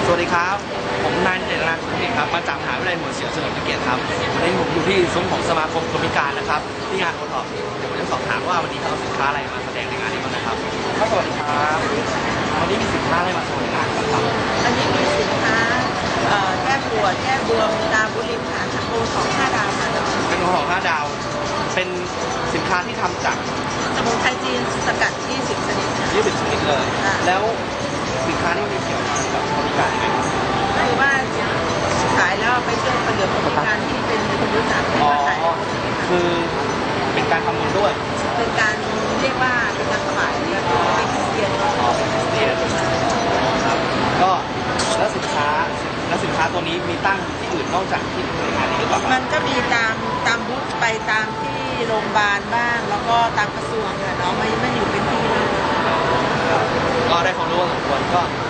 วัสดีครับผมนายเจตนาคุณเอกครับมาจากมหาวิทยาลัยหัวเฉียวเฉลิมพระเกียรติครับวันนี้ผมอยู่ที่ซุ้มของสมาคมคนพิการนะครับที่งานโอท็อปเดี๋ยวผมจะสอบถามว่าวันนี้เขาเอาสินค้าอะไรมาแสดงในงานนี้บ้างนะครับสวัสดีครับวันนี้มีสินค้าอะไรมาโชว์ในงานบ้างครับอันนี้มีสินค้าแก้ปวดแก้บวมตาบุริมค่ะโอของ5 ดาวค่ะเป็นของ5 ดาวเป็นสินค้าที่ทำจากสมุนไพรจีนสกัด20 ชนิด 20 ชนิดเลยแล้วสินค้าที่มีเกี่ยวกับคนพิการไหมครับคือว่าขายแล้วไปช่วยประโยชน์คนพิการที่เป็นคนรู้จักอ๋อคือเป็นการทำบุญด้วยเป็นการเรียกว่าเป็นการถวายแล้วก็เป็นคริสเตียนอ๋อเป็นคริสเตียนครับก็แล้วสินค้าตัวนี้มีตั้งที่อื่นนอกจากที่ในงานนี้หรือเปล่ามันก็มีตามบูธไปตามที่โรงพยาบาลบ้างแล้วก็ตามกระทรวงเนี่ยเนาะไม่อยู่เป็นที่เลยก็ได้ความรู้พอสมควรก็